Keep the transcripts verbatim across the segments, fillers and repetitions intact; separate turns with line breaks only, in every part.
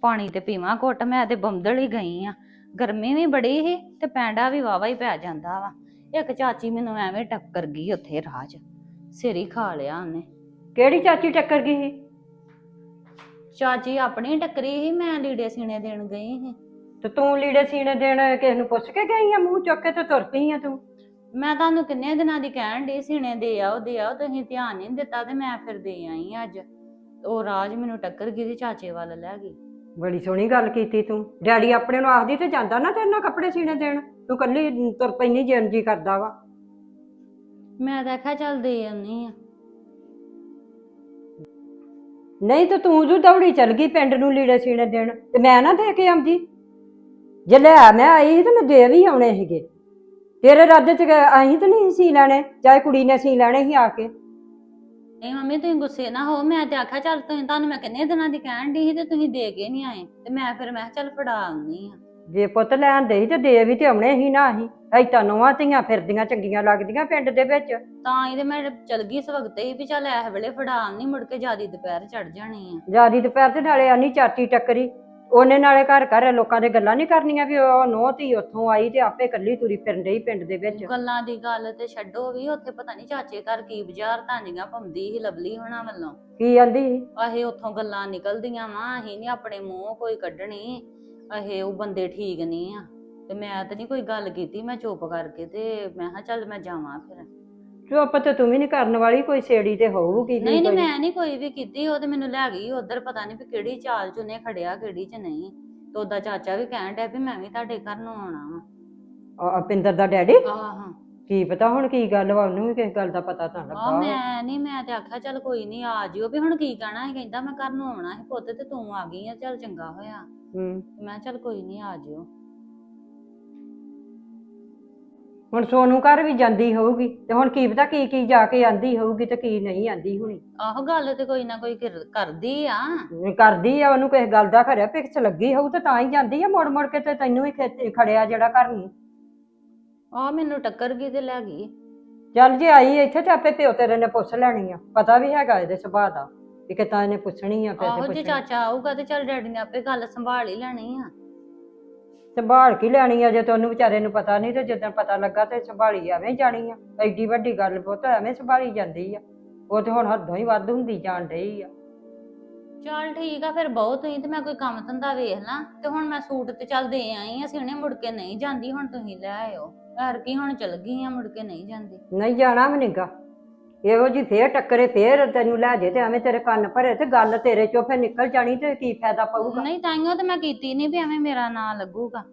ਪਾਣੀ ਤੇ ਪੀਵਾਂ ਘੁੱਟ। ਮੈਂ ਤੇ ਬੰਦਲ ਹੀ ਗਈ ਆ। ਗਰਮੀ ਵੀ ਬੜੀ ਸੀ ਤੇ ਪੈਂਡਾ ਵੀ ਵਾਵਾ ਹੀ ਪੈ ਜਾਂਦਾ ਵਾ। ਇੱਕ ਚਾਚੀ ਮੈਨੂੰ ਐਵੇਂ ਟੱਕਰ ਗਈ ਉੱਥੇ ਰਾਹ 'ਚ, ਸਿਰ ਹੀ ਖਾ ਲਿਆ ਉਹਨੇ।
ਕਿਹੜੀ ਚਾਚੀ ਟੱਕਰ ਗਈ ਸੀ?
ਚਾਚੀ ਆਪਣੀ ਟੱਕਰੀ ਸੀ, ਮੈਂ ਲੀੜੇ ਸੀਨੇ ਦੇਣ ਗਈ ਸੀ।
ਤੇ ਤੂੰ ਲੀੜੇ ਸੀਨੇ ਦੇਣ ਕਿਸੇ ਨੂੰ ਪੁੱਛ ਕੇ ਗਈ ਆ? ਮੂੰਹ ਚੁੱਕ ਕੇ ਤੇ ਤੁਰ ਪਈ ਆ ਤੂੰ।
ਮੈਂ ਤੁਹਾਨੂੰ ਕਿੰਨੇ ਦਿਨਾਂ ਦੀ ਕਹਿਣ ਡਈ ਸੀਨੇ ਦੇ ਆਓ ਦੇ ਆਓ, ਤੁਸੀਂ ਧਿਆਨ ਨਹੀਂ ਦਿੱਤਾ ਤੇ ਮੈਂ ਫਿਰ ਦੇ ਆਈ ਅੱਜ। ਉਹ ਰਾਜ ਮੈਨੂੰ ਟੱਕਰ ਗਈ ਤੇ ਚਾਚੇ ਵੱਲ ਲੈ ਗਈ।
ਬੜੀ ਸੋਹਣੀ ਗੱਲ ਕੀਤੀ ਤੂੰ। ਡੈਡੀ ਆਪਣੇ ਨੂੰ ਆਖਦੀ ਤੇ ਜਾਂਦਾ ਨਾ ਤੇਰੇ ਨਾਲ ਕੱਪੜੇ ਸੀਨੇ ਦੇਣ, ਤੂੰ ਕੱਲੀ ਤੁਰ ਪੈਂਦੀ ਜਿੰਨ ਜੀ ਕਰਦਾ ਵਾ।
ਮੈਂ ਤਾਂ ਆਖਿਆ ਚੱਲ ਦੇ ਆਉਣੀ ਆ।
ਨਹੀਂ ਤੇ ਤੂੰ ਜੋ ਦੌੜੀ ਚੱਲ ਗਈ ਪਿੰਡ ਨੂੰ ਲੀੜੇ ਸੀਨੇ ਦੇਣ, ਤੇ ਮੈਂ ਨਾ ਦੇ ਕੇ ਆਉਂਦੀ। ਜੇ ਲੈ ਮੈਂ ਆਈ ਸੀ ਤੇ ਮੈਂ ਦੇ ਵੀ ਆਉਣੇ ਸੀਗੇ। ਤੇਰੇ ਰੱਜ ਚ ਅਸੀਂ ਤੇ ਨਹੀਂ ਸੀ ਲੈਣੇ, ਚਾਹੇ ਕੁੜੀ ਨੇ ਸੀ ਲੈਣੇ ਸੀ ਆ ਕੇ।
ਨਹੀਂ ਮੰਮੀ ਤੁਸੀਂ ਗੁੱਸੇ ਨਾ ਹੋ, ਮੈਂ ਤੇ ਆਖਿਆ ਚੱਲ ਤੁਸੀਂ, ਤੁਹਾਨੂੰ ਮੈਂ ਕਿੰਨੇ ਦਿਨਾਂ ਦੀ ਕਹਿਣ ਡਈ ਸੀ ਤੇ ਤੁਸੀਂ ਦੇ ਕੇ ਨਹੀਂ ਆਏ, ਤੇ ਮੈਂ ਫਿਰ ਮੈਂ ਚੱਲ ਫੜਾ ਆਉਣੀ ਆ।
ਜੇ ਪੁੱਤ ਲੈਣ ਦੇ ਤੇ ਦੇ ਵੀ ਤੇ ਆਉਣੇ ਸੀ ਨਾ। ਅਸੀਂ ਐਤਾਂ ਨੌਵਾਂ ਧੀਆਂ ਫਿਰਦੀਆਂ ਚੰਗੀਆਂ ਲੱਗਦੀਆਂ ਪਿੰਡ ਦੇ ਵਿੱਚ।
ਤਾਂ ਹੀ ਤੇ ਮੈਂ ਚਲ ਗਈ ਇਸ ਵਕਤ ਹੀ ਵੀ ਚੱਲ ਇਸ ਵੇਲੇ ਫੜਾ ਆਉਣੀ, ਮੁੜ ਕੇ ਜਿਆਦੀ ਦੁਪਹਿਰ ਚੜ ਜਾਣੀ ਆ।
ਜਿਆਦੀ ਦੁਪਹਿਰ ਤੇ ਨਾਲੇ ਆਨੀ ਚਾਚੀ ਟੱਕਰੀ, ਉਹਨੇ ਨਾਲੇ ਘਰ ਘਰ ਲੋਕਾਂ ਦੇ ਗੱਲਾਂ ਨਹੀਂ ਕਰਨੀਆਂ ਵੀ ਉਹ ਨੌ ਧੀ ਉੱਥੋਂ ਆਈ ਤੇ ਆਪੇ ਇਕੱਲੀ ਤੁਰੀ ਫਿਰਨ ਡਈ ਪਿੰਡ ਦੇ ਵਿੱਚ।
ਗੱਲਾਂ ਦੀ ਗੱਲ ਤੇ ਛੱਡੋ, ਵੀ ਉੱਥੇ ਪਤਾ ਨਹੀਂ ਚਾਚੇ ਘਰ ਕੀ ਬਾਜ਼ਾਰ ਤਾਂੀਆਂ ਪਾਉਂਦੀ ਸੀ ਲਵਲੀ ਹੋਣਾ ਵੱਲੋਂ।
ਕੀ ਆਂਦੀ?
ਅਹੇ ਉੱਥੋਂ ਗੱਲਾਂ ਨਿਕਲਦੀਆਂ ਵਾ, ਅਸੀਂ ਨੀ ਆਪਣੇ ਮੂੰਹ ਕੋਈ ਕੱਢਣੀ, ਅਹੇ ਉਹ ਬੰਦੇ ਠੀਕ ਨਹੀਂ ਆ। ਤੇ ਮੈਂ ਤੇ ਨਹੀਂ ਕੋਈ ਗੱਲ ਕੀਤੀ, ਮੈਂ ਚੁੱਪ ਕਰਕੇ ਤੇ ਮੈਂ ਕਿਹਾ ਚੱਲ ਮੈਂ ਜਾਵਾਂ ਫਿਰ।
ਚੁੱਪ ਤੇ ਤੂੰ ਵੀ ਨੀ ਕਰਨ ਵਾਲੀ, ਕੋਈ ਸੇੜੀ ਤੇ ਹੋਊਗੀ।
ਨਹੀਂ ਨਹੀਂ ਮੈਂ ਨਹੀਂ ਕੋਈ ਵੀ ਕੀਤੀ, ਉਹ ਤੇ ਮੈਨੂੰ ਲੈ ਗਈ ਉਧਰ, ਪਤਾ ਨਹੀਂ ਵੀ ਕਿਹੜੀ ਚਾਲ ਚ ਉਹਨੇ ਖੜਿਆ ਕਿਹੜੀ ਚ ਨਹੀਂ। ਤੇ ਉਹਦਾ ਚਾਚਾ ਵੀ ਕਹਿਣ ਡਿਆ ਵੀ ਮੈਂ ਵੀ ਤੁਹਾਡੇ ਘਰ ਨੂੰ ਆਉਣਾ ਵਾ।
ਅਪਿੰਦਰ ਦਾ ਡੈਡੀ?
ਆਹਾਂ।
ਕੀ ਪਤਾ ਹੁਣ ਕੀ ਗੱਲ ਵਾ, ਉਹਨੂੰ ਵੀ ਕਿਸੇ ਗੱਲ ਦਾ ਪਤਾ ਤਾਂ ਲੱਗਾ।
ਆ ਮੈਂ ਨਹੀਂ, ਮੈਂ ਤੇ ਆਖਿਆ ਚੱਲ ਕੋਈ ਨਹੀਂ ਆ ਜਿਓ, ਵੀ ਹੁਣ ਕੀ ਕਹਿਣਾ ਸੀ। ਕਹਿੰਦਾ ਮੈਂ ਘਰ ਨੂੰ ਆਉਣਾ ਸੀ ਪੁੱਤ, ਤੇ ਤੂੰ ਆ ਗਈ ਆ, ਚੱਲ ਚੰਗਾ ਹੋਇਆ।
ਹੂੰ।
ਮੈਂ ਚੱਲ ਕੋਈ ਨਹੀਂ ਆ ਜਿਓ।
ਹੁਣ ਸੋਨੂੰ ਘਰ ਵੀ ਜਾਂਦੀ ਹੋਊਗੀ, ਤੇ ਹੁਣ ਕੀ ਪਤਾ ਕੀ ਕੀ ਜਾ ਕੇ ਆਂਦੀ ਹੋਊਗੀ ਤੇ ਕੀ ਨਹੀਂ ਆਂਦੀ ਹੁਣੀ।
ਆਹੋ ਗੱਲ ਤੇ ਕੋਈ ਨਾ ਕੋਈ ਕਰਦੀ ਆ।
ਕਰਦੀ ਆ, ਉਹਨੂੰ ਕਿਸੇ ਗੱਲ ਦਾ ਖਰਿਆ ਪਿਕਸ ਲੱਗੀ ਹੋਊ ਤੇ ਤਾਂ ਹੀ ਜਾਂਦੀ ਆ ਮੁੜ ਮੁੜ ਕੇ, ਤੇ ਤੈਨੂੰ ਵੀ ਖੜਿਆ ਜਿਹੜਾ ਘਰ ਨੂੰ।
ਆ ਮੈਨੂੰ ਟੱਕਰ ਗਈ ਤੇ ਲੈ ਗਈ।
ਚੱਲ ਜੇ ਆਈ ਇੱਥੇ ਤੇ ਆਪੇ ਪਿਓ ਤੇਰੇ ਨੇ ਪੁੱਛ ਲੈਣੀ ਆ, ਪਤਾ ਵੀ ਹੈਗਾ ਇਹਦੇ ਸੁਭਾਅ ਦਾ ਵੀ ਕਿਤਾ ਇਹਨੇ ਪੁੱਛਣੀ ਆ। ਫਿਰ
ਆਹੋ ਜੇ ਚਾਚਾ ਆਊਗਾ ਤੇ ਚੱਲ ਡੈਡੀ ਨੇ ਆਪੇ ਗੱਲ ਸੰਭਾਲ ਹੀ ਲੈਣੀ ਆ।
ਸੰਭਾਲ ਕੀ ਲੈਣੀ ਆ, ਜੇ ਤੇ ਉਹਨੂੰ ਵਿਚਾਰੇ ਨੂੰ ਪਤਾ ਨਹੀਂ, ਤੇ ਜਦੋਂ ਪਤਾ ਲੱਗਾ ਤੇ ਸੰਭਾਲੀ ਐਵੇਂ ਜਾਣੀ ਆ। ਐਡੀ ਵੱਡੀ ਗੱਲ ਪੁੱਤ ਐਵੇਂ ਸੰਭਾਲੀ ਜਾਂਦੀ ਆ, ਉਹ ਤੇ ਹੁਣ ਹੱਦੋਂ ਹੀ ਵੱਧ ਹੁੰਦੀ ਜਾਣ ਡਈ ਆ।
ਚੱਲ ਠੀਕ ਆ ਫਿਰ ਬਹੁਤ ਹੀ, ਤੇ ਮੈਂ ਕੋਈ ਕੰਮ ਧੰਦਾ ਵੇਖ ਲਾਂ। ਤੇ ਹੁਣ ਮੈਂ ਸੂਟ ਤੇ ਚੱਲ ਦੇ ਆਈ ਆ ਸੀਨੇ, ਮੁੜ ਕੇ ਨਹੀਂ ਜਾਂਦੀ। ਹੁਣ ਤੁਸੀਂ ਲੈ ਆਇਓ ਯਾਰ, ਕੀ ਹੁਣ ਚਲ ਗਈ ਆ, ਮੁੜ ਕੇ ਨਹੀਂ ਜਾਂਦੀ।
ਨਹੀਂ ਜਾਣਾ ਵੀ ਨੀਗਾ, ਇਹੋ ਜੀ ਫੇਰ ਟੱਕਰੇ ਫੇਰ ਤੈਨੂੰ ਲੈ ਜੇ ਤੇ ਐਵੇਂ ਤੇਰੇ ਕੰਨ ਭਰੇ ਤੇ ਗੱਲ ਤੇਰੇ ਚੋਂ ਫੇਰ ਨਿਕਲ ਜਾਣੀ, ਤੇ ਕੀ ਫਾਇਦਾ ਪਊਗਾ।
ਨਹੀਂ ਤਾਈਓ ਤੇ ਮੈਂ ਕੀਤੀ ਨਹੀਂ ਵੀ ਐਵੇਂ ਮੇਰਾ ਨਾਂ ਲੱਗੂਗਾ।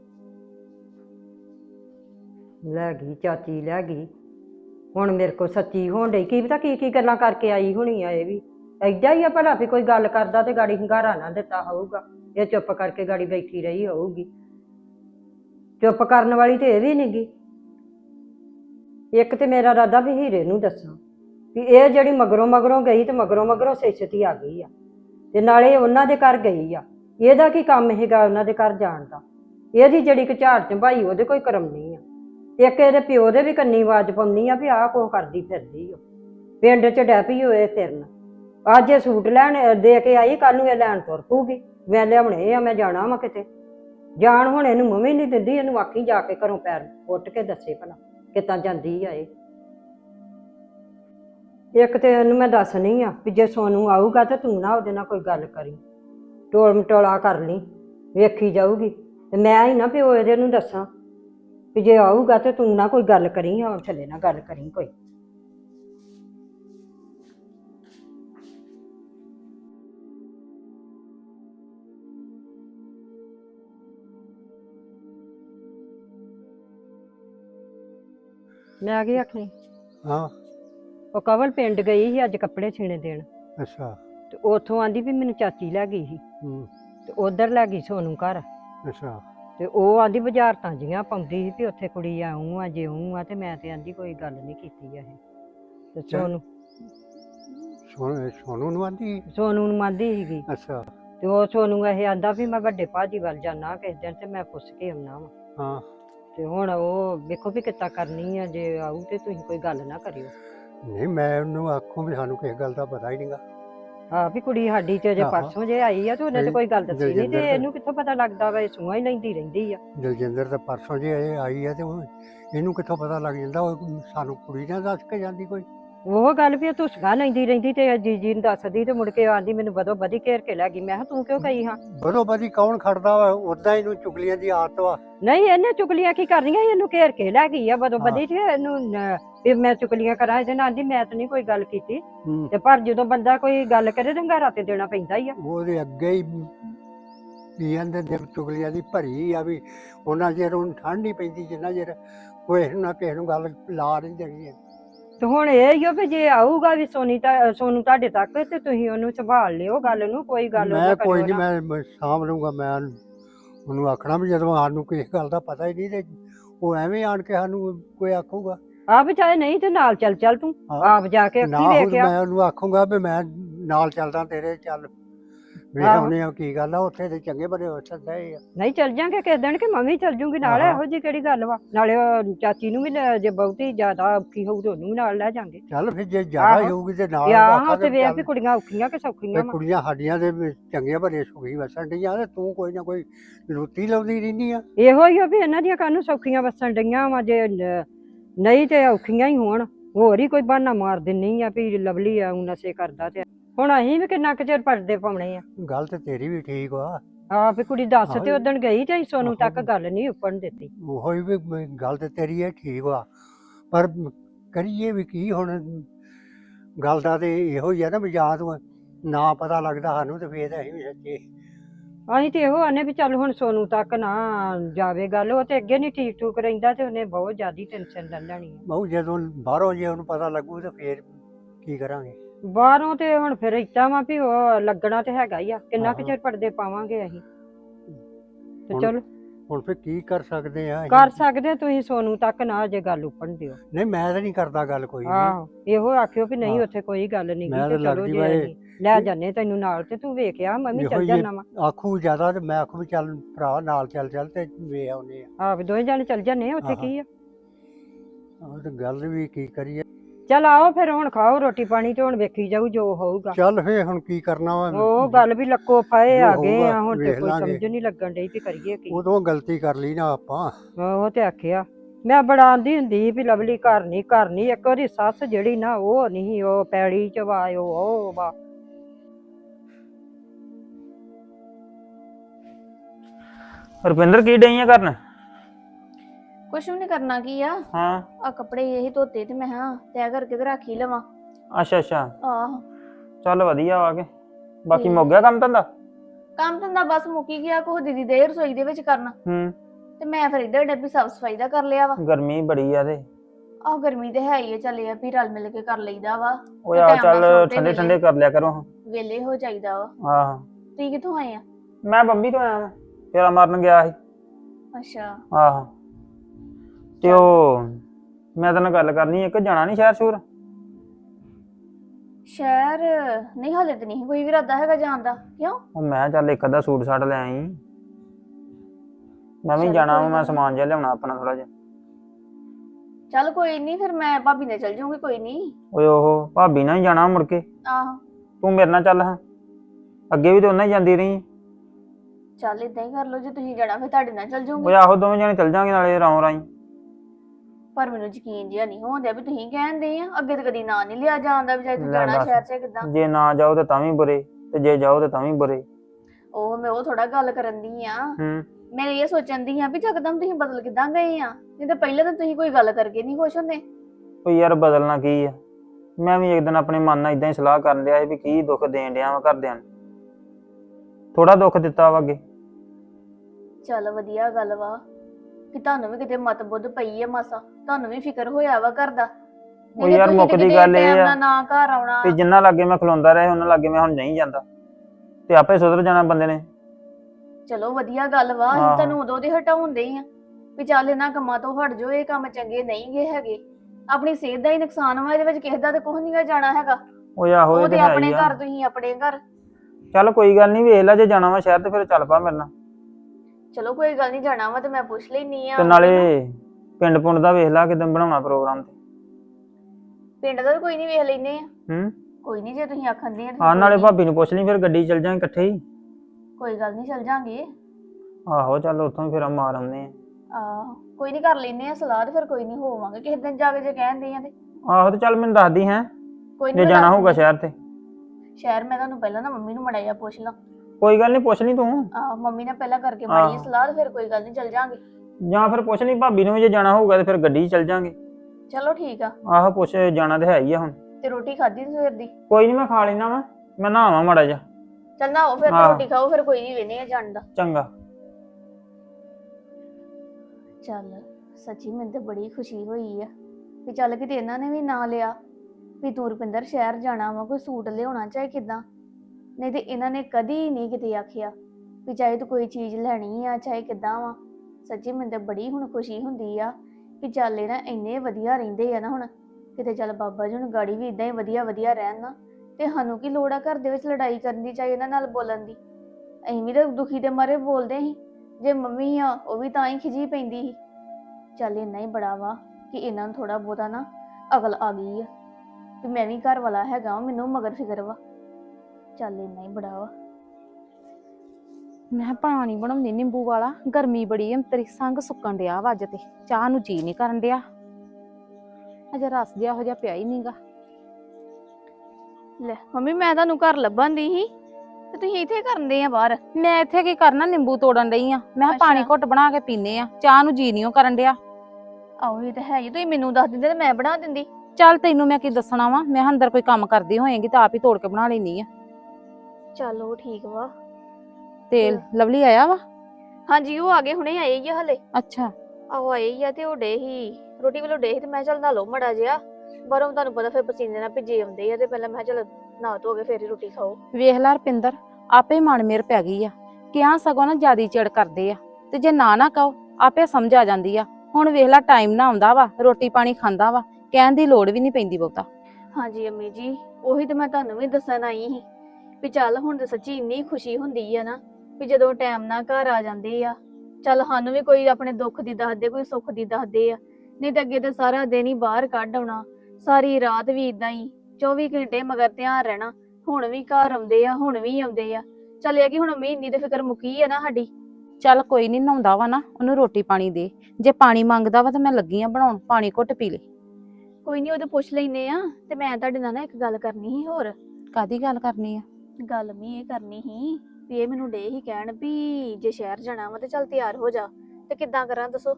ਲੈ ਗਈ ਚਾਚੀ, ਲੈ ਗਈ। ਹੁਣ ਮੇਰੇ ਕੋਲ ਸੱਚੀ ਹੋਣ ਡਈ, ਕੀ ਪਤਾ ਕੀ ਕੀ ਗੱਲਾਂ ਕਰਕੇ ਆਈ ਹੋਣੀ ਆ। ਇਹ ਵੀ ਏਦਾਂ ਹੀ ਆ ਭਲਾ, ਵੀ ਕੋਈ ਗੱਲ ਕਰਦਾ ਤੇ ਗਾੜੀ ਹੰਗਾਰਾ ਨਾ ਦਿੱਤਾ ਹੋਊਗਾ, ਇਹ ਚੁੱਪ ਕਰਕੇ ਗਾੜੀ ਬੈਠੀ ਰਹੀ ਹੋਊਗੀ। ਚੁੱਪ ਕਰਨ ਵਾਲੀ ਤੇ ਇਹ ਵੀ ਨੀ ਗੀ। ਇੱਕ ਤੇ ਮੇਰਾ ਇਰਾਦਾ ਵੀ ਹੀਰੇ ਨੂੰ ਦੱਸਾਂ ਵੀ ਇਹ ਜਿਹੜੀ ਮਗਰੋਂ ਮਗਰੋਂ ਗਈ ਤੇ ਮਗਰੋਂ ਮਗਰੋਂ ਛੇਤੀ ਆ ਗਈ ਆ, ਤੇ ਨਾਲੇ ਉਹਨਾਂ ਦੇ ਘਰ ਗਈ ਆ। ਇਹਦਾ ਕੀ ਕੰਮ ਹੈਗਾ ਉਹਨਾਂ ਦੇ ਘਰ ਜਾਣ ਦਾ? ਇਹਦੀ ਜਿਹੜੀ ਝਾੜ ਝੰਬਾਈ ਉਹਦੇ ਕੋਈ ਕਰਮ ਨਹੀਂ ਆ। ਇੱਕ ਇਹਦੇ ਪਿਓ ਦੇ ਵੀ ਕੰਨੀ ਆਵਾਜ਼ ਪਾਉਂਦੀ ਆ ਵੀ ਆਹ ਕੁਛ ਕਰਦੀ ਫਿਰਦੀ ਓ, ਪਿੰਡ ਚ ਡੈ ਪਈ ਹੋਏ ਫਿਰਨ। ਅੱਜ ਇਹ ਸੂਟ ਲੈਣ ਦੇ ਕੇ ਆਈ, ਕੱਲ ਨੂੰ ਇਹ ਲੈਣ ਤੁਰ ਪਊਗੀ ਮੈਂ ਲਿਆਉਣੇ ਆ, ਮੈਂ ਜਾਣਾ ਵਾ ਕਿਤੇ। ਜਾਣ ਹੁਣ ਇਹਨੂੰ ਮੰਮੀ ਨਹੀਂ ਦਿੰਦੀ, ਇਹਨੂੰ ਆਖੀ ਜਾ ਕੇ ਘਰੋਂ ਪੈਰ ਪੁੱਟ ਕੇ ਦੱਸੇ ਭਲਾ ਕਿੱਦਾਂ ਜਾਂਦੀ ਆ ਇਹ। ਇੱਕ ਤੇ ਇਹਨੂੰ ਮੈਂ ਦੱਸਣੀ ਆ ਵੀ ਜੇ ਸੋਨੂੰ ਆਊਗਾ ਤੇ ਤੂੰ ਨਾ ਉਹਦੇ ਨਾਲ ਕੋਈ ਗੱਲ ਕਰੀ, ਟੋਲ ਮਟੋਲਾ ਕਰ ਲਈ, ਵੇਖੀ ਜਾਊਗੀ। ਤੇ ਮੈਂ ਹੀ ਨਾ ਪਿਓ ਇਹਦੇ ਨੂੰ ਦੱਸਾਂ ਵੀ ਜੇ ਆਊਗਾ ਤੇ ਤੂੰ ਨਾ ਕੋਈ ਗੱਲ ਕਰੀ, ਹਾਂ ਥੱਲੇ ਨਾ ਗੱਲ ਕਰੀ ਕੋਈ। ਮੈਂ ਕੀ ਆਖਣੀ?
ਹਾਂ।
ਉਹ ਕਵਲ ਪਿੰਡ ਗਈ ਸੀ ਅੱਜ ਕੱਪੜੇ ਸੀਣੇ ਦੇਣ।
ਅੱਛਾ।
ਤੇ ਉੱਥੋਂ ਆਂਦੀ ਵੀ ਮੈਨੂੰ ਚਾਚੀ ਲੈ ਗਈ ਸੀ,
ਹੂੰ।
ਤੇ ਉਧਰ ਲੈ ਗਈ ਸੋਨੂੰ ਘਰ।
ਅੱਛਾ।
ਤੇ ਉਹ ਆਂਦੀ ਬਾਜ਼ਾਰ ਤਾਂ ਜੀਆਂ ਪਾਉਂਦੀ ਸੀ ਵੀ ਉੱਥੇ ਕੁੜੀ ਆਊਂ ਆ ਜਿਉਂ ਆ, ਤੇ ਮੈਂ ਤੇ ਆਂਦੀ ਕੋਈ ਗੱਲ ਨਹੀਂ ਕੀਤੀ ਇਹ। ਤੇ ਸੋਨੂੰ
ਸੋਨੂੰ ਸੋਨੂੰ ਨੂੰ ਆਂਦੀ?
ਸੋਨੂੰ ਨੂੰ ਆਂਦੀ ਸੀਗੀ।
ਅੱਛਾ।
ਤੇ ਉਹ ਸੋਨੂੰ ਇਹ ਆਂਦਾ ਵੀ ਮੈਂ ਵੱਡੇ ਭਾਜੀ ਵੱਲ ਜਾਣਾ ਕਿਸੇ ਦਿਨ, ਤੇ ਮੈਂ ਪੁੱਛ ਕੇ ਆਉਣਾ ਵਾ।
ਹਾਂ।
ਤੇ ਹੁਣ ਉਹ ਵੇਖੋ ਵੀ ਕਿੱਦਾਂ ਕਰਨੀ ਆ, ਜੇ ਆਊ ਤੇ ਤੁਸੀਂ ਕੋਈ ਗੱਲ ਨਾ ਕਰਿਓ।
ਨਹੀਂ ਮੈਂ ਉਹਨੂੰ ਆਖੂ ਵੀ ਸਾਨੂੰ ਕਿਸੇ ਗੱਲ ਦਾ ਪਤਾ ਹੀ ਨਹੀਂਗਾ।
ਹਾਂ ਵੀ ਕੁੜੀ ਸਾਡੀ ਤੇ ਜੇ
ਆਹਾ।
ਪਰਸੋਂ ਜੇ ਆਈ ਆ ਤੇ ਉਹਨੇ ਤੇ
ਨਹੀਂ,
ਕੋਈ ਗੱਲ ਦੱਸੀ ਨਹੀਂ ਤੇ
ਦਲਜਿੰਦਰ ਤੇ-
ਇਹਨੂੰ ਕਿੱਥੋਂ ਪਤਾ ਲੱਗਦਾ ਵਾ ਇਹ ਸੂਹਾਂ ਹੀ ਲੈਂਦੀ ਰਹਿੰਦੀ ਆ।
ਦਲਜਿੰਦਰ ਤਾਂ ਪਰਸੋਂ ਜੇ ਇਹ ਆਈ ਆ ਤੇ ਉਹ ਇਹਨੂੰ ਕਿੱਥੋਂ ਪਤਾ ਲੱਗ ਜਾਂਦਾ, ਉਹ ਸਾਨੂੰ ਕੁੜੀ ਨਾ ਦੱਸ ਕੇ ਜਾਂਦੀ ਕੋਈ।
ਉਹ ਗੱਲ ਵੀ ਤੂੰ ਸੁਗਾ ਲੈਂਦੀ ਰਹਿੰਦੀ ਤੇ ਜੀਜੀ ਨੂੰ ਦੱਸਦੀ ਤੇ ਮੁੜ ਕੇ ਆਂਦੀ ਮੈਨੂੰ ਬਦੋ ਬਦੀ ਘੇਰ ਕੇ ਲੈ ਗਈ। ਮੈਂ ਕਿਹਾ ਤੂੰ ਕਿਉਂ ਗਈ ਹਾਂ?
ਬਦੋ ਬਦੀ ਕੌਣ ਖੜਦਾ ਵਾ, ਉਦਾਂ ਇਹਨੂੰ ਚੁਗਲੀਆਂ ਦੀ ਆਦਤ ਵਾ।
ਨਹੀਂ ਇਹਨੇ ਚੁਗਲੀਆਂ ਕੀ ਕਰਨੀਆਂ, ਇਹਨੂੰ ਘੇਰ ਕੇ ਲੈ ਗਈ ਆ ਬਦੋ
ਹਾਂ।
ਬਦੀ ਤੇ ਇਹਨੂੰ ਨ- ਵੀ ਮੈਂ ਚੁਗਲੀਆਂ ਕਰਾਂ ਇਹਦੇ ਨਾਲ ਦੀ, ਮੈਂ ਤਾਂ ਨਹੀਂ ਕੋਈ ਗੱਲ ਕੀਤੀ
ਹੂੰ।
ਤੇ ਪਰ ਜਦੋਂ ਬੰਦਾ ਕੋਈ ਗੱਲ ਕਰੇ ਤਾਂ ਹੰਗਾਰਾ ਤੇ ਦੇਣਾ ਪੈਂਦਾ ਹੀ ਆ।
ਉਹਦੇ ਅੱਗੇ ਹੀ ਕੀ ਕਹਿੰਦੇ ਦਿਲ ਚੁਗਲੀਆਂ ਦੀ ਭਰੀ ਆ ਵੀ ਉਹਨਾਂ ਚਿਰ ਉਹਨੂੰ ਠੰਡ ਨਹੀਂ ਪੈਂਦੀ ਜਿੰਨਾ ਚਿਰ ਕੋਈ ਨਾ ਕਿਸੇ ਨੂੰ ਗੱਲ ਲਾ ਨਹੀਂ ਦੇਣੀ।
ਤੇ ਹੁਣ ਇਹ ਹੀ ਆ ਵੀ ਜੇ ਆਊਗਾ ਵੀ ਸੋਨੀ ਤਾਂ ਸੋਨੂੰ ਤੁਹਾਡੇ ਤੱਕ ਤੇ ਤੁਸੀਂ ਉਹਨੂੰ ਸੰਭਾਲ ਲਿਓ ਗੱਲ ਨੂੰ, ਕੋਈ ਗੱਲ ਉਹਦਾ
ਮੈਂ ਕੋਈ
ਕਰਿਓ
ਨਹੀਂ,
ਨਾ।
ਮੈਂ ਮੈਂ ਸਾਂਭ ਲੂੰਗਾ। ਮੈਂ ਉਹਨੂੰ ਆਖਣਾ ਵੀ ਜਦੋਂ ਸਾਨੂੰ ਕਿਸੇ ਗੱਲ ਦਾ ਪਤਾ ਹੀ ਨਹੀਂ ਤੇ ਉਹ ਐਵੇਂ ਆਣ ਕੇ ਸਾਨੂੰ ਕੋਈ ਆਖੂਗਾ।
ਆਪ ਚਾਹੇ ਨਹੀਂ ਤੇ ਨਾਲ ਚੱਲ ਚੱਲ ਤੂੰ
ਹਾਂ।
ਆਪ ਜਾ ਕੇ
ਨਾ
ਅੱਖੀ
ਹੁਣ
ਵੇਖਿਆ।
ਮੈਂ ਉਹਨੂੰ ਆਖੂੰਗਾ ਵੀ ਮੈਂ ਨਾਲ ਚੱਲਦਾ ਤੇਰੇ, ਚੱਲ ਵੇਖ
ਆਹੋ।
ਆਉਂਦੇ ਆ ਕੀ ਗੱਲ ਆ। ਉੱਥੇ ਤੇ ਚੰਗੇ ਬੜੇ ਉੱਠਦੇ ਆ।
ਨਹੀਂ ਚੱਲ ਜਾਂਗੇ ਕਿਸੇ ਦਿਨ ਕਿ ਮੈਂ ਵੀ ਚੱਲ ਜੂੰਗੀ ਨਾਲ,
ਹਾਂ।
ਇਹੋ ਜੀ ਕਿਹੜੀ ਗੱਲ ਵਾ। ਨਾਲੇ ਉਹ ਚਾਚੀ ਨੂੰ ਵੀ ਲੈ- ਜੇ ਬਹੁਤੀ ਜ਼ਿਆਦਾ ਔਖੀ ਹੋਊ ਤੇ ਉਹਨੂੰ ਵੀ ਨਾਲ ਲੈ ਜਾਾਂਗੇ।
ਚੱਲ ਫਿਰ ਜੇ ਜ਼ਿਆਦਾ ਹੀ
ਆਹੋ।
ਹੋਊਗੀ ਤੇ ਨਾਲ
ਯਾ
ਆਖਾਂਗੇ
ਉੱਥੇ ਵੇਖ
ਚੱਲ
ਵੀ ਕੁੜੀਆਂ ਔਖੀਆਂ ਕਿ ਸੌਖੀਆਂ
ਵੀ
ਵਾ।
ਕੁੜੀਆਂ ਸਾਡੀਆਂ ਦੇ ਵੀ ਚੰਗੇ ਭਲੇ ਸੁਖੀ ਵਸਣ ਡੀਆਂ ਤੇ ਤੂੰ ਕੋਈ ਨਾ ਕੋਈ ਲੁੱਟੀ ਲਾਉਂਦੀ ਰਹਿੰਦੀ ਆ।
ਇਹੋ ਹੀ ਆ ਵੀ ਇਹਨਾਂ ਦੀਆਂ ਕਾਹਨੂੰ ਸੌਖੀਆਂ ਵਸਣ ਡਈਆਂ ਵਾ, ਜੇ ਨ- ਨਹੀਂ ਤੇ ਔਖੀਆਂ ਹੀ ਹੋਣ। ਹੋਰ ਹੀ ਕੋਈ ਬਹਾਨਾ ਮਾਰ ਦਿੰਨੀ ਆ ਵੀ ਲਵਲੀ ਆ ਊਂ ਨਸ਼ੇ ਕਰਦਾ ਤੇ ਹੁਣ ਅਸੀਂ ਵੀ ਕਿੰਨਾ ਕੁ ਚਿਰ ਪਰਦੇ ਪਾਉਣੇ ਆ।
ਗੱਲ ਤੇ ਤੇਰੀ ਵੀ ਠੀਕ ਵਾ।
ਆ ਵੀ ਕੁੜੀ ਦੱਸ ਤੇ
ਆਹੋ।
ਉਦਣ ਗਈ ਤੇ ਅਸੀਂ ਸੋਨੂੰ
ਆਹੋ।
ਤੱਕ ਗੱਲ ਨਹੀਂ ਉੱਪਣ ਦਿੱਤੀ।
ਉਹੋ ਹੀ ਵੀ ਮ- ਗੱਲ ਤੇ ਤੇਰੀ ਇਹ ਠੀਕ ਵਾ, ਪਰ ਕਰੀਏ ਵੀ ਕੀ ਹੁਣ। ਗੱਲ ਦਾ ਤੇ ਇਹੋ ਹੀ ਆ ਨਾ ਵੀ ਜਾਂ ਤੂੰ ਨਾ ਪਤਾ ਲੱਗਦਾ ਸਾਨੂੰ ਤੇ ਫੇਰ ਅਸੀਂ ਵੀ ਸੱਚੇ।
ਅਸੀਂ ਤੇ ਇਹੋ ਆਨੇ ਵੀ ਚੱਲ ਹੁਣ ਸੋਨੂੰ ਤੱਕ ਨਾ ਜਾਵੇ ਗੱਲ, ਉਹ ਤੇ ਅੱਗੇ ਨਹੀਂ ਠੀਕ ਠੂਕ ਰਹਿੰਦਾ ਤੇ ਉਹਨੇ ਬਹੁਤ ਜ਼ਿਆਦੀ ਟੈਨਸ਼ਨ ਲੈ ਲੈਣੀ ਆ।
ਬਹੁ ਜਦੋਂ ਬਾਹਰੋਂ ਜੇ ਉਹਨੂੰ ਪਤਾ ਲੱਗੂ ਤੇ ਫੇਰ ਕੀ ਕਰਾਂਗੇ।
ਬਾਹਰੋਂ ਤੇ ਹੁਣ ਫਿਰ ਇੱਦਾਂ ਵਾ ਵੀ ਉਹ ਲੱਗਣਾ ਤੇ ਹੈਗਾ ਹੀ ਆ, ਕਿੰਨਾ ਕੁ
ਆਹੋ।
ਚਿਰ ਪਰਦੇ ਪਾਵਾਂਗੇ ਅਸੀਂ। ਤੇ
ਹੁਣ-
ਚਲੋ
ਹੁਣ ਫੇਰ ਕੀ ਕਰ ਸਕਦੇ ਆ ਅਸੀਂ?
ਕਰ ਸਕਦੇ ਤੁਸੀਂ ਸੋਨੂੰ ਤੱਕ ਨਾ ਜੇ ਗੱਲ ਉੱਪਣ ਦਿਓ।
ਨਹੀਂ ਮੈਂ ਤਾਂ ਨਹੀਂ ਕਰਦਾ ਗੱਲ ਕੋਈ ਵੀ।
ਆਹੋ ਇਹੋ ਆਖਿਓ ਵੀ ਨਹੀਂ
ਹਾਂ।
ਉੱਥੇ ਕੋਈ ਗੱਲ ਨਹੀਂ
ਮੈਂ
ਤੇ
ਤਾਂ
ਚਲੋ
ਲੱਗਦੀ
ਜੇ
ਵਾ ਇਹ-
ਅਸੀਂ ਲੈ ਜਾਂਦੇ ਤੈਨੂੰ ਨਾਲ ਤੇ ਤੂੰ ਵੇਖਿਆ ਮੈਂ ਵੀ
ਇਹੋ
ਚੱਲ
ਹੀ
ਜਾਣਾ ਵਾ।
ਆਖੂ ਜ਼ਿਆਦਾ ਤੇ ਮੈਂ ਆਖੂ ਵੀ ਚੱਲ ਭਰਾ ਨਾਲ ਚੱਲ ਚੱਲ ਤੇ ਵੇ ਆਉਨੇ ਆ।
ਆਪ ਦੋਵੇਂ ਜਾਣੇ ਚੱਲ ਜਾਂਦੇ ਆ, ਉੱਥੇ
ਆਹਾ।
ਕੀ ਆ।
ਉਹ ਤੇ ਗੱਲ ਵੀ ਕੀ ਕਰੀਏ।
ਚੱਲ ਆਓ ਫਿਰ ਹੁਣ ਖਾਓ ਰੋਟੀ ਪਾਣੀ ਤੇ ਹੁਣ ਵੇਖੀ ਜਾਊ ਜੋ ਹੋਊਗਾ।
ਚੱਲ ਫੇਰ ਹੁਣ ਕੀ ਕਰਨਾ ਵਾ।
ਉਹ ਗੱਲ ਵੀ ਲੱਕੋ ਫਾਏ
ਜੋ
ਆ ਗਏ
ਹੋਊਗਾ
ਆ ਹੁਣ ਤੇ
ਵੇਖ
ਕੋਈ
ਲਾਂਗੇ।
ਸਮਝ ਨਹੀਂ ਲੱਗਣ ਡਈ ਵੀ ਕਰੀਏ ਕੀ।
ਉਦੋਂ ਗਲਤੀ ਕਰ ਲਈ ਨਾ ਆਪਾਂ।
ਉਹ ਤੇ ਆਖਿਆ ਮੈਂ ਬੜਾ ਆਂਦੀ ਹੁੰਦੀ ਸੀ ਵੀ ਲਵਲੀ ਘਰ ਨਹੀਂ ਘਰ ਨਹੀਂ, ਇੱਕ ਵਾਰੀ ਸੱਸ ਜਿਹੜੀ ਨਾ ਉਹ ਨਹੀਂ, ਉਹ ਪੈੜੀ ਚ ਵਾਇਓ ਉਹ ਵਾ।
ਰੁਪਿੰਦਰ ਕੀ ਡਈਆਂ ਕਰਨ?
ਕੁਛ ਵੀ ਨਹੀਂ ਕਰਨਾ, ਕੀ ਆ
ਹਾਂ।
ਆ ਕੱਪੜੇ ਇਹੀ ਧੋਤੇ ਤੇ ਮੈਂ ਹਾਂ ਤੈਅ ਕਰਕੇ ਤੇ ਰੱਖ ਹੀ ਲਵਾਂ।
ਅੱਛਾ ਅੱਛਾ,
ਆਹ
ਚੱਲ ਵਧੀਆ ਵਾ ਕੇ। ਬਾਕੀ
ਠੀਕ।
ਮੁੱਕ ਗਿਆ ਕੰਮ ਧੰਦਾ?
ਕੰਮ ਧੰਦਾ ਬਸ ਮੁੱਕੀ ਗਿਆ, ਕੋ ਦੀਦੀ ਦੇ ਰਸੋਈ ਦੇ ਵਿੱਚ ਕਰਨਾ
ਹੂੰ।
ਤੇ ਮੈਂ ਫਿਰ ਇੱਧਰ ਡੱਬੀ ਸਾਫ ਸਫਾਈ ਦਾ ਕਰ ਲਿਆ ਵਾ।
ਗਰਮੀ ਬੜੀ ਆ ਤੇ।
ਆਹ ਗਰਮੀ ਤੇ ਹੈ ਹੀ ਆ, ਚੱਲ ਇਹ ਆ ਵੀ ਰਲ ਮਿਲ ਕੇ ਕਰ ਲਈਦਾ ਵਾ।
ਓਏ ਆ ਚੱਲ ਠੰਡੇ ਠੰਡੇ ਕਰ ਲਿਆ ਕਰੋ।
ਵੇਲੇ ਹੋ ਜਾਈਦਾ ਵਾ।
ਆਹ
ਤੁਸੀਂ ਕਿੱਥੋਂ ਆਏ ਆ?
ਮੈਂ ਬੰਬੀ ਤੋਂ ਆਇਆ ਵਾਂ, ਫੇਰਾ ਮਾਰਨ ਗਿਆ ਸੀ।
ਅੱਛਾ
ਆਹ ਤੇ ਉਹ ਮੈਂ ਤੈਨੂੰ ਗੱਲ ਕਰਨੀ, ਇੱਕ ਜਾਣਾ ਨਹੀਂ ਸ਼ਹਿਰ ਸ਼ੂਰ?
ਸ਼ਹਿਰ ਨਹੀਂ, ਹਾਲੇ ਤੇ ਨਹੀਂ ਕੋਈ ਵੀ ਇਰਾਦਾ ਹੈਗਾ ਜਾਣ ਦਾ। ਕਿਉਂ?
ਉਹ ਮੈਂ ਚੱਲ ਇੱਕ ਅੱਧਾ ਸੂਟ ਸਾਟ ਲੈ ਆਈ। ਮੈਂ ਵੀ
ਚੱਲ
ਜਾਣਾ ਵਾ,
ਕੋਈ
ਮੈਂ
ਗੱਲ
ਸਮਾਨ ਜਿਹਾ ਲਿਆਉਣਾ ਆਪਣਾ ਥੋੜਾ ਜਿਹਾ।
ਚੱਲ ਕੋਈ ਨਹੀਂ, ਫਿਰ ਮੈਂ ਭਾਬੀ ਨਾਲ ਚੱਲ ਜਾਊਂਗੀ, ਕੋਈ ਨਹੀਂ।
ਓਏ ਉਹ ਭਾਬੀ ਨਾਲ ਹੀ ਜਾਣਾ ਮੁੜ ਕੇ,
ਆਹੋ
ਤੂੰ ਮੇਰੇ ਨਾਲ ਚੱਲ। ਹਾਂ ਅੱਗੇ ਵੀ ਤੇ ਉਹਨਾਂ ਹੀ ਜਾਂਦੀ ਰਹੀ।
ਚੱਲ ਇਦਾਂ ਹੀ ਕਰ ਲਓ, ਜੇ ਤੁਸੀਂ ਜਾਣਾ ਫਿਰ ਤੁਹਾਡੇ ਨਾਲ ਚੱਲ ਜਾਊਂਗੀ।
ਓਏ ਆਹੋ ਦੋਵੇਂ ਜਣੇ ਚੱਲ ਜਾਾਂਗੇ ਨਾਲੇ ਰੌਂ ਰਾਈ।
ਪਰ ਮੈਨੂੰ ਯਕੀਨ ਜਿਹਾ ਨਹੀਂ ਹੋਉਂਦਾ ਵੀ ਤੁਸੀਂ ਕਹਿੰਦੇ ਆ, ਅੱਗੇ ਤਾਂ ਕਦੀ ਨਾਂ ਨਹੀਂ ਲਿਆ ਜਾਂਦਾ ਵੀ ਜੇ ਤੂੰ
ਲੈ
ਜਾਣਾ
ਦੱਸ।
ਸ਼ਹਿਰ 'ਚ ਕਿੱਦਾਂ।
ਜੇ ਨਾ ਜਾਓ ਤੇ ਤਾਂ ਵੀ ਬੁਰੇ, ਤੇ ਜੇ ਜਾਓ ਤੇ ਤਾਂ ਵੀ ਬੁਰੇ।
ਉਹ ਮੈਂ ਉਹ ਥੋੜਾ ਗੱਲ ਕਰਨ ਦੀ ਆ,
ਹੂੰ।
ਮੈਂ ਇਹ ਸੋਚਣ ਦੀ ਆ ਵੀ ਜਕਦਮ ਤੁਸੀਂ ਬਦਲ ਕਿੱਦਾਂ ਗਏ ਆ, ਨਹੀਂ ਤਾਂ ਪਹਿਲਾਂ ਤਾਂ ਤੁਸੀਂ ਕੋਈ ਗੱਲ ਕਰਕੇ ਨਹੀਂ ਖੁਸ਼ ਹੁੰਦੇ।
ਉਹ ਯਾਰ ਬਦਲਣਾ ਕੀ ਆ, ਮੈਂ ਵੀ ਇੱਕ ਦਿਨ ਆਪਣੇ ਮਨ ਨਾਲ ਇਦਾਂ ਹੀ ਸਲਾਹ ਕਰਨ ਡਿਆ ਸੀ ਵੀ ਕੀ ਦੁੱਖ ਦੇਣ ਡਿਆ ਵਾ ਘਰਦਿਆਂ ਨੂੰ। ਥੋੜਾ ਦੁੱਖ ਦਿੱਤਾ ਵਾ ਅੱਗੇ।
ਚੱਲ ਵਧੀਆ ਗੱਲ ਵਾ ਕਿ ਤੁਹਾਨੂੰ ਵੀ ਕਿਤੇ ਮਤ ਬੁੱਧ ਪਈ ਆ, ਮਾਸਾ ਤੁਹਾਨੂੰ ਵੀ ਫਿਕਰ ਹੋਇਆ ਵਾ ਘਰ ਦਾ।
ਉਹ ਯਾਰ ਮੁੱਕਦੀ ਗੱਲ ਇਹ ਆ
ਨਾ ਘਰ ਆਉਣਾ।
ਵੀ ਜਿੰਨਾ ਲਾਗੇ ਮੈਂ ਖਲੋਂਦਾ ਰਿਹਾ ਉਹਨਾਂ ਲਾਗੇ ਮੈਂ ਹੁਣ ਨਹੀਂ ਜਾਂਦਾ, ਤੇ ਆਪੇ ਸੁਧਰ ਜਾਣਾ ਬੰਦੇ ਨੇ।
ਚਲੋ ਵਧੀਆ ਗੱਲ ਵਾ, ਅਸੀਂ
ਆਹੋ।
ਤੁਹਾਨੂੰ ਉਦੋਂ ਦੇ ਹਟਾਉਂਦੇ ਹੀ ਆ ਵੀ ਚੱਲ ਇਹਨਾਂ ਕੰਮਾਂ ਤੋਂ ਹਟ ਜਾਓ, ਇਹ ਕੰਮ ਚੰਗੇ ਨਹੀਂ ਗੇ ਹੈਗੇ। ਆਪਣੀ ਸਿਹਤ ਦਾ ਹੀ ਨੁਕਸਾਨ ਵਾ, ਇਹਦੇ ਵਿੱਚ ਕਿਸੇ ਦਾ ਤੇ ਕੁਝ ਨਹੀਂ ਜਾਣਾ ਹੈਗਾ।
ਉਹ ਆਹੋ
ਉਹ
ਇਹ
ਤੇ
ਤੇ ਹੈ
ਆਪਣੇ
ਹੀ ਆ।
ਘਰ, ਤੁਸੀਂ ਆਪਣੇ ਘਰ।
ਚੱਲ ਕੋਈ ਗੱਲ ਨਹੀਂ, ਵੇਖ ਲੈ ਜੇ ਜਾਣਾ ਵਾ ਸ਼ਹਿਰ ਤੇ ਫਿਰ ਚੱਲ ਪਾ ਮੇਰੇ ਨਾਲ।
ਚਲੋ ਕੋਈ ਗੱਲ ਨਹੀਂ, ਜਾਣਾ ਵਾ ਤੇ ਮੈਂ ਪੁੱਛ ਲੈਣੀ ਆ।
ਤੇ ਨਾਲੇ ਪਿੰਡ ਪੁੰਡ ਦਾ ਵੇਖ ਲਾ ਕਿਦਾਂ ਬਣਾਉਣਾ ਪ੍ਰੋਗਰਾਮ ਤੇ।
ਪਿੰਡ ਦਾ ਵੀ ਕੋਈ ਨਹੀਂ ਵੇਖ ਲੈਨੇ ਆ।
ਹੂੰ।
ਕੋਈ ਨਹੀਂ ਜੇ ਤੁਸੀਂ ਆਖਣ ਦੇ ਆ ਤਾਂ
ਹਾਂ
ਕੋਈ
ਨਾਲੇ
ਨੀ।
ਭਾਬੀ ਨੂੰ ਪੁੱਛ ਲਈ ਫਿਰ ਗੱਡੀ 'ਚ ਚੱਲ ਜਾਾਂਗੇ ਇਕੱਠੇ ਹੀ।
ਕੋਈ ਗੱਲ ਨਹੀਂ ਚੱਲ ਜਾਾਂਗੇ।
ਆਹੋ ਚੱਲ ਉੱਥੋਂ ਹੀ ਫਿਰ ਮਾਰ ਆਉਂਦੇ ਆ।
ਆਹ ਕੋਈ ਨਹੀਂ ਕਰ ਲੈਨੇ ਆ ਸਲਾਹ ਤੇ ਫਿਰ ਕੋਈ ਨਹੀਂ ਹੋਵਾਂਗੇ ਕਿਸੇ ਦਿਨ ਜਾ ਕੇ ਜੇ ਕਹਿੰਦੇ ਆ ਤੇ
ਆਹੋ ਤੇ ਚੱਲ ਮੈਨੂੰ ਦੱਸਦੀ ਹੈ
ਕੋਈ
ਜੇ
ਨਹੀਂ
ਜਾਣਾ ਹੋਊਗਾ ਸ਼ਹਿਰ ਤੇ।
ਸ਼ਹਿਰ ਮੈਂ ਤੁਹਾਨੂੰ ਪਹਿਲਾਂ ਨਾ ਮੰਮੀ ਨੂੰ ਮੜਾ ਜਾ ਪੁੱਛ ਲਾਂ।
ਕੋਈ ਗੱਲ ਨਹੀਂ ਪੁੱਛ ਲਈ ਤੂੰ,
ਆਹ ਮੰਮੀ ਨੇ ਪਹਿਲਾਂ ਕਰਕੇ ਮਾੜੀ ਜਿਹੀ
ਆਹੋ।
ਸਲਾਹ ਤੇ ਫਿਰ ਕੋਈ ਗੱਲ ਨਹੀਂ ਚੱਲ ਜਾਾਂਗੇ।
ਜਾਂ ਫਿਰ ਪੁੱਛ ਲਈ ਭਾਬੀ ਨੂੰ ਜੇ ਜਾਣਾ ਹੋਊਗਾ ਤੇ ਫਿਰ ਗੱਡੀ 'ਚ ਚੱਲ ਜਾਾਂਗੇ।
ਚਲੋ ਠੀਕ ਆ।
ਆਹੋ ਪੁੱਛ, ਜਾਣਾ ਤੇ ਹੈ ਹੀ ਆ ਹੁਣ।
ਤੇ ਰੋਟੀ ਖਾਧੀ ਸਵੇਰ ਦੀ?
ਕੋਈ ਨਹੀਂ ਮੈਂ ਖਾ ਲੈਣਾ ਵਾ, ਮੈਂ ਨਹਾਵਾਂ ਮਾੜਾ ਜਿਹਾ।
ਚੱਲ ਨਾ ਫਿਰ ਤੇ
ਆਹ।
ਰੋਟੀ ਖਾਓ ਫਿਰ ਕੋਈ ਨਹੀਂ ਵੇਨੇ ਆ ਜਾਣ ਦਾ।
ਚੰਗਾ।
ਚੱਲ ਸੱਚੀ ਮੈਨੂੰ ਤੇ ਬੜੀ ਖੁਸ਼ੀ ਹੋਈ ਆ ਵੀ ਚੱਲ ਕਿਤੇ ਇਹਨਾਂ ਨੇ ਵੀ ਨਾਂ ਲਿਆ ਵੀ ਤੂੰ ਰੁਪਿੰਦਰ ਸ਼ਹਿਰ ਜਾਣਾ ਵਾ, ਕੋਈ ਸੂਟ ਲਿਆਉਣਾ ਚਾਹੇ ਕਿਦਾਂ। ਨਹੀਂ ਤੇ ਇਹਨਾਂ ਨੇ ਕਦੀ ਨਹੀਂ ਕਿਤੇ ਆਖਿਆ ਵੀ ਚਾਹੇ ਤੂੰ ਕੋਈ ਚੀਜ਼ ਲੈਣੀ ਆ ਚਾਹੇ ਕਿਦਾਂ ਵਾ। ਸੱਚੀ ਮੈਨੂੰ ਤੇ ਬੜੀ ਹੁਣ ਖੁਸ਼ੀ ਹੁੰਦੀ ਆ ਵੀ ਚੱਲ ਇਹ ਨਾ ਇੰਨੇ ਵਧੀਆ ਰਹਿੰਦੇ ਆ ਨਾ ਹੁਣ ਕਿਤੇ। ਚੱਲ ਬਾਬਾ ਜੀ ਹੁਣ ਗਾੜੀ ਵੀ ਇਦਾਂ ਹੀ ਵਧੀਆ ਵਧੀਆ ਰਹਿਣ ਨਾ, ਤੇ ਸਾਨੂੰ ਕੀ ਲੋੜ ਆ ਘਰ ਦੇ ਵਿੱਚ ਲੜਾਈ ਕਰਨ ਦੀ, ਚਾਹੇ ਇਹਨਾਂ ਨਾਲ ਬੋਲਣ ਦੀ। ਅਸੀਂ ਵੀ ਤਾਂ ਦੁਖੀ ਦੇ ਮਾਰੇ ਬੋਲਦੇ ਸੀ, ਜੇ ਮੰਮੀ ਆ ਉਹ ਵੀ ਤਾਂ ਹੀ ਖਿਜੀ ਪੈਂਦੀ ਸੀ। ਚੱਲ ਇੰਨਾ ਹੀ ਬੜਾ ਵਾ ਕਿ ਇਹਨਾਂ ਨੂੰ ਥੋੜਾ ਬਹੁਤਾ ਨਾ ਅਕਲ ਆ ਗਈ ਆ ਵੀ ਮੈਂ ਵੀ ਘਰ ਵਾਲਾ ਹੈਗਾ ਵਾਂ, ਮੈਨੂੰ ਮਗਰ ਫਿਕਰ ਵਾ। ਚੱਲ ਇੰਨਾ ਹੀ ਬੜਾ ਵਾ।
ਮੈਂ ਪਾਣੀ ਬਣਾਉਂਦੀ ਨਿੰਬੂ ਵਾਲਾ, ਗਰਮੀ ਬੜੀ ਐ, ਤੇਰੀ ਸੰਗ ਸੁੱਕਣ ਡਿਆ ਵਾ ਅੱਜ ਤੇ ਚਾਹ ਨੂੰ ਜੀ ਨਹੀਂ ਕਰਨ ਡਿਆ। ਅਜੇ ਰਸ ਜਿਹਾ ਹੋ ਜਾ ਪਿਆ ਹੀ ਨਹੀਂਗਾ।
ਲੈ ਮੰਮੀ ਮੈਂ ਤੁਹਾਨੂੰ ਘਰ ਲੱਭਣ ਦੀ ਸੀ ਤੇ ਤੁਸੀਂ ਇੱਥੇ ਕਰਦੇ ਆ ਬਾਹਰ?
ਮੈਂ ਇੱਥੇ ਕੀ ਕਰਨਾ, ਨਿੰਬੂ ਤੋੜਨ ਡਈ ਆ। ਮੈਂ ਕਿਹਾ ਪਾਣੀ
ਅੱਛਾ।
ਘੁੱਟ ਬਣਾ ਕੇ ਪੀਨੇ ਆ, ਚਾਹ ਨੂੰ ਜੀ ਨਹੀਂ ਕਰਨ ਡਿਆ।
ਆਹੋ ਇਹ ਤਾਂ ਹੈ ਹੀ, ਤੁਸੀਂ ਮੈਨੂੰ ਦੱਸ ਦਿੰਦੇ ਤੇ ਮੈਂ ਬਣਾ ਦਿੰਦੀ।
ਚੱਲ ਤੈਨੂੰ ਮੈਂ ਕੀ ਦੱਸਣਾ ਵਾ, ਮੈਂ ਅੰਦਰ ਕੋਈ ਕੰਮ ਕਰਦੀ ਹੋਏਗੀ ਤਾਂ ਆਪ ਹੀ ਤੋੜ ਕੇ ਬਣਾ ਲੈਣੀ ਆ।
ਚਲੋ ਠੀਕ ਵਾ।
ਤੇਲ ਲਵਲੀ ਆਇਆ ਵਾ?
ਹਾਂਜੀ ਉਹ ਆ ਗਏ, ਹੁਣੇ ਆਏ ਹੀ ਆ ਹਲੇ।
ਅੱਛਾ
ਆਹੋ ਆਏ ਹੀ ਆ ਤੇ ਉਹ ਡੇ ਹੀ ਰੋਟੀ ਵੱਲੋਂ ਡੇ ਸੀ ਤੇ ਮੈਂ ਚੱਲ ਨਾ ਲੋ ਮੜਾ ਜਿਆ ਬਾਹਰੋਂ, ਤੁਹਾਨੂੰ ਪਤਾ ਫਿਰ ਪਸੀਨੇ ਨਾਲ ਭਿੱਜੇ ਆਉਂਦੇ ਆ ਤੇ ਪਹਿਲਾਂ ਮੈਂ ਚੱਲ ਨਹਾ ਧੋ ਕੇ ਫੇਰ ਹੀ ਰੋਟੀ ਖਾਓ।
ਵੇਖ ਲੈ ਰਪਿੰਦਰ, ਆਪੇ ਮਨ ਮੇਰ ਪੈ ਗਈ ਆ। ਕਿਹਾ ਸਗੋਂ ਨਾ ਜਿਆਦੀ ਚਿੜ ਕਰਦੇ ਆ, ਤੇ ਜੇ ਨਾ ਨਾ ਕਹੋ ਆਪੇ ਸਮਝ ਆ ਜਾਂਦੀ ਆ। ਹੁਣ ਵੇਖ ਲੈ ਟਾਈਮ ਨਾ ਆਉਂਦਾ ਵਾ, ਰੋਟੀ ਪਾਣੀ ਖਾਂਦਾ ਵਾ, ਕਹਿਣ ਦੀ ਲੋੜ ਵੀ ਨਹੀਂ ਪੈਂਦੀ ਬਹੁਤਾ।
ਹਾਂਜੀ ਅੰਮੀ ਜੀ, ਉਹੀ ਤੇ ਮੈਂ ਤੁਹਾਨੂੰ ਵੀ ਦੱਸਣ ਆਈ ਸੀ ਵੀ ਚੱਲ ਹੁਣ ਤੇ ਸੱਚੀ ਇੰਨੀ ਖੁਸ਼ੀ ਹੁੰਦੀ ਆ ਨਾ ਵੀ ਜਦੋਂ ਟਾਈਮ ਨਾਲ ਘਰ ਆ ਜਾਂਦੇ ਆ। ਚੱਲ ਸਾਨੂੰ ਵੀ ਕੋਈ ਆਪਣੇ ਦੁੱਖ ਦੀ ਦੱਸਦੇ, ਕੋਈ ਸੁੱਖ ਦੀ ਦੱਸਦੇ ਆ। ਨਹੀਂ ਤਾਂ ਅੱਗੇ ਤੇ ਸਾਰਾ ਦਿਨ ਹੀ ਬਾਹਰ ਕੱਢ ਆਉਣਾ, ਸਾਰੀ ਰਾਤ ਵੀ ਇਦਾਂ ਹੀ ਚੌਵੀ ਘੰਟੇ ਮਗਰ ਧਿਆਨ ਰਹਿਣਾ। ਹੁਣ ਵੀ ਘਰ ਆਉਂਦੇ ਆ, ਹੁਣ ਵੀ ਆਉਂਦੇ ਆ। ਚੱਲ ਇਹ ਕਿ ਹੁਣ ਅੰਮੀ ਇੰਨੀ ਤੇ ਫਿਕਰ ਮੁੱਕੀ ਆ ਨਾ ਸਾਡੀ।
ਚੱਲ ਕੋਈ ਨਹੀਂ, ਨਹਾਉਂਦਾ ਵਾ ਨਾ ਉਹਨੂੰ ਰੋਟੀ ਪਾਣੀ ਦੇ। ਜੇ ਪਾਣੀ ਮੰਗਦਾ ਵਾ ਤਾਂ ਮੈਂ ਲੱਗੀ ਆ ਬਣਾਉਣ, ਪਾਣੀ ਘੁੱਟ ਪੀ ਲੈ।
ਕੋਈ ਨਹੀਂ ਉਹ ਤੇ ਪੁੱਛ ਲੈਨੇ ਆ। ਤੇ ਮੈਂ ਤੁਹਾਡੇ ਨਾਲ ਨਾ ਇੱਕ ਗੱਲ ਕਰਨੀ ਸੀ ਹੋਰ।
ਕਾਦੀ ਗੱਲ ਕਰਨੀ ਆ?
ਗੱਲ ਵੀ ਇਹ ਕਰਨੀ ਸੀ ਵੀ ਇਹ ਮੈਨੂੰ ਡੇ ਹੀ ਕਹਿਣ ਵੀ ਜੇ ਸ਼ਹਿਰ ਜਾਣਾ ਵਾ ਤੇ ਚੱਲ ਤਿਆਰ ਹੋ ਜਾ, ਤੇ ਕਿੱਦਾਂ ਕਰਾਂ ਦੱਸੋ?